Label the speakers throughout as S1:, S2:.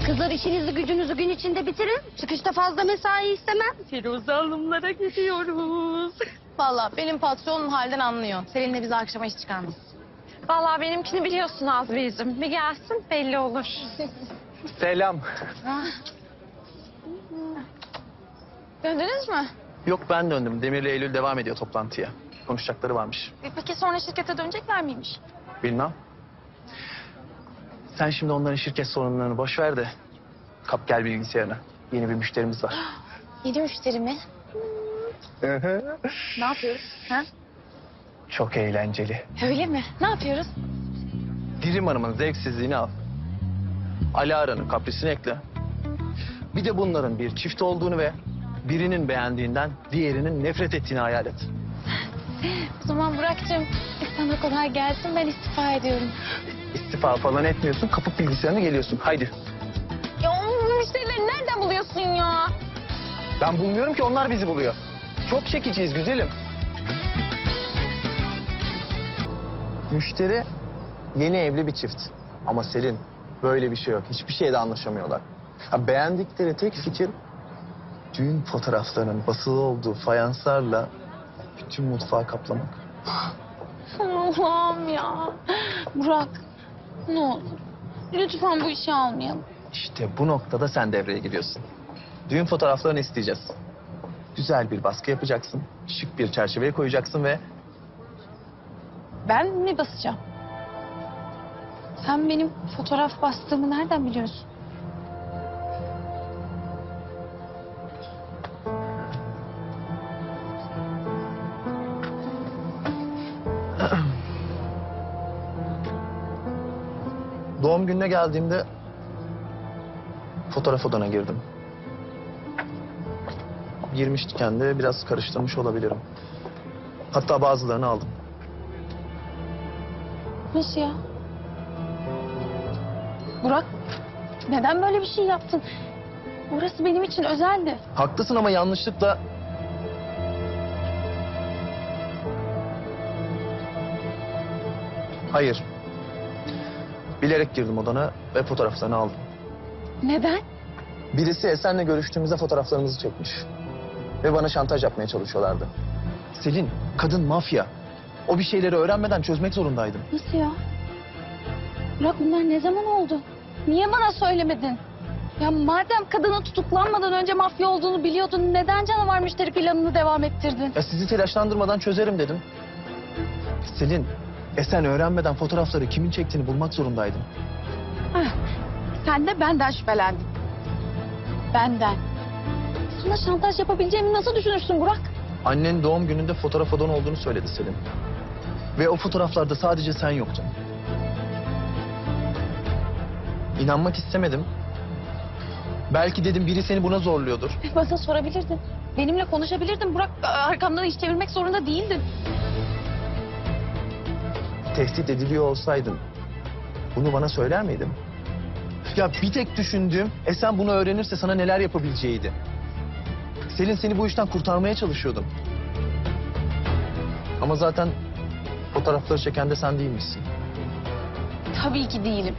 S1: Kızlar işinizi gücünüzü gün içinde bitirin. Çıkışta fazla mesai istemem.
S2: Firuze Hanımlara gidiyoruz.
S3: Vallahi benim patronum halden anlıyor. Seninle bizi akşama iş çıkarmaz.
S2: Vallahi benimkini biliyorsun Azmi'cim. Bir gelsin belli olur.
S4: Selam.
S3: Döndünüz mü?
S4: Yok ben döndüm. Demir'le Eylül devam ediyor toplantıya. Konuşacakları varmış.
S3: Peki sonra şirkete dönecekler miymiş?
S4: Bilmem. Sen şimdi onların şirket sorunlarını boş ver de kap gel bilgisayarına. Yeni bir müşterimiz var.
S3: Yeni müşteri mi? Ne yapıyoruz? Ha?
S4: Çok eğlenceli.
S3: Öyle mi? Ne yapıyoruz?
S4: Dirim Hanım'ın zevksizliğini al. Alara'nın kaprisini ekle. Bir de bunların bir çift olduğunu ve birinin beğendiğinden diğerinin nefret ettiğini hayal et.
S3: O zaman Burak'cığım sana kolay gelsin, ben istifa ediyorum.
S4: İstifa falan etmiyorsun, kapıp bilgisayarına geliyorsun. Haydi.
S3: Ya o müşterileri nereden buluyorsun ya?
S4: Ben bulmuyorum ki, onlar bizi buluyor. Çok çekiciyiz güzelim. Müşteri yeni evli bir çift. Ama Selin böyle bir şey yok. Hiçbir şeyde anlaşamıyorlar. Ha, beğendikleri tek fikir düğün fotoğraflarının basılı olduğu fayanslarla bütün mutfağı kaplamak.
S3: Allah'ım ya. Burak, ne olur. Lütfen bu işi almayalım.
S4: İşte bu noktada sen devreye giriyorsun. Düğün fotoğraflarını isteyeceğiz. Güzel bir baskı yapacaksın. Şık bir çerçeveye koyacaksın ve
S3: Ben mi basacağım? Sen benim fotoğraf bastığımı nereden biliyorsun?
S4: doğum gününe geldiğimde fotoğraf odana girdim. Girmişken de biraz karıştırmış olabilirim. Hatta bazılarını aldım.
S3: Nasıl ya? Burak, neden böyle bir şey yaptın? Orası benim için özeldi.
S4: Haklısın ama yanlışlıkla... Hayır. Bilerek girdim odana ve fotoğraflarını aldım.
S3: Neden?
S4: Birisi Esen'le görüştüğümüzde fotoğraflarımızı çekmiş. Ve bana şantaj yapmaya çalışıyorlardı. Selin, kadın mafya. O bir şeyleri öğrenmeden çözmek zorundaydım.
S3: Nasıl ya? Burak bunlar ne zaman oldu? Niye bana söylemedin? Ya madem kadının tutuklanmadan önce mafya olduğunu biliyordun, neden canavar müşteri planını devam ettirdin?
S4: Ya sizi telaşlandırmadan çözerim dedim. Selin, Esen öğrenmeden fotoğrafları kimin çektiğini bulmak zorundaydım.
S3: Heh, sen de benden şüphelendin. Benden. Sana şantaj yapabileceğimi nasıl düşünürsün Burak?
S4: Annen doğum gününde fotoğraf odan olduğunu söyledi Selin. Ve o fotoğraflarda sadece sen yoktun. İnanmak istemedim. Belki dedim biri seni buna zorluyordur.
S3: Bana sorabilirdin. Benimle konuşabilirdin Burak. Arkamdan iş çevirmek zorunda değildin.
S4: Tehdit ediliyor olsaydın bunu bana söyler miydin? Ya bir tek düşündüğüm Esen bunu öğrenirse sana neler yapabileceğiydi. Selin, seni bu işten kurtarmaya çalışıyordum. Ama zaten fotoğrafları çeken de sen değilmişsin.
S3: Tabii ki değilim.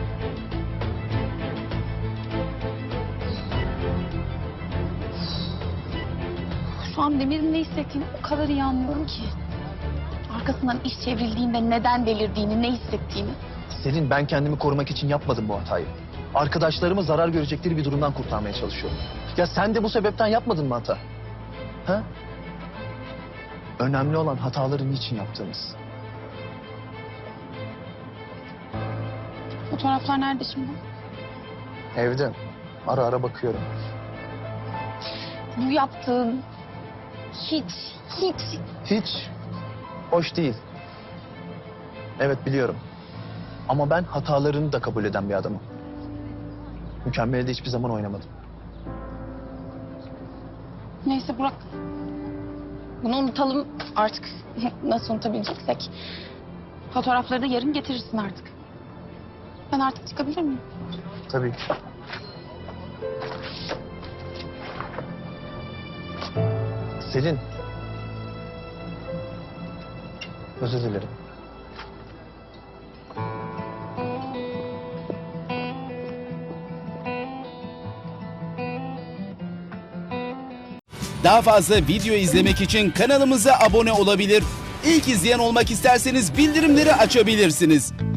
S3: Şu an Demir'in ne hissettiğini o kadar iyi anlıyorum ki. Arkasından iş çevrildiğinde neden delirdiğini, ne hissettiğini.
S4: Selin, ben kendimi korumak için yapmadım bu hatayı. Arkadaşlarımı zarar görecekleri bir durumdan kurtarmaya çalışıyorum. Ya sen de bu sebepten yapmadın mı hata? Ha? Önemli olan hataları niçin yaptığımız.
S3: Fotoğraflar nerede şimdi?
S4: Evde. Ara ara bakıyorum.
S3: Bu yaptığın hiç
S4: Hiç hoş değil. Evet, biliyorum. Ama ben hatalarını da kabul eden bir adamım. Mükemmeli de hiçbir zaman oynamadım.
S3: Neyse Burak. Bunu unutalım artık. Nasıl unutabileceksek. Fotoğrafları da yarın getirirsin artık. Ben artık çıkabilir miyim?
S4: Tabii ki. Selin. Özür dilerim.
S5: Daha fazla video izlemek için kanalımıza abone olabilir. İlk izleyen olmak isterseniz bildirimleri açabilirsiniz.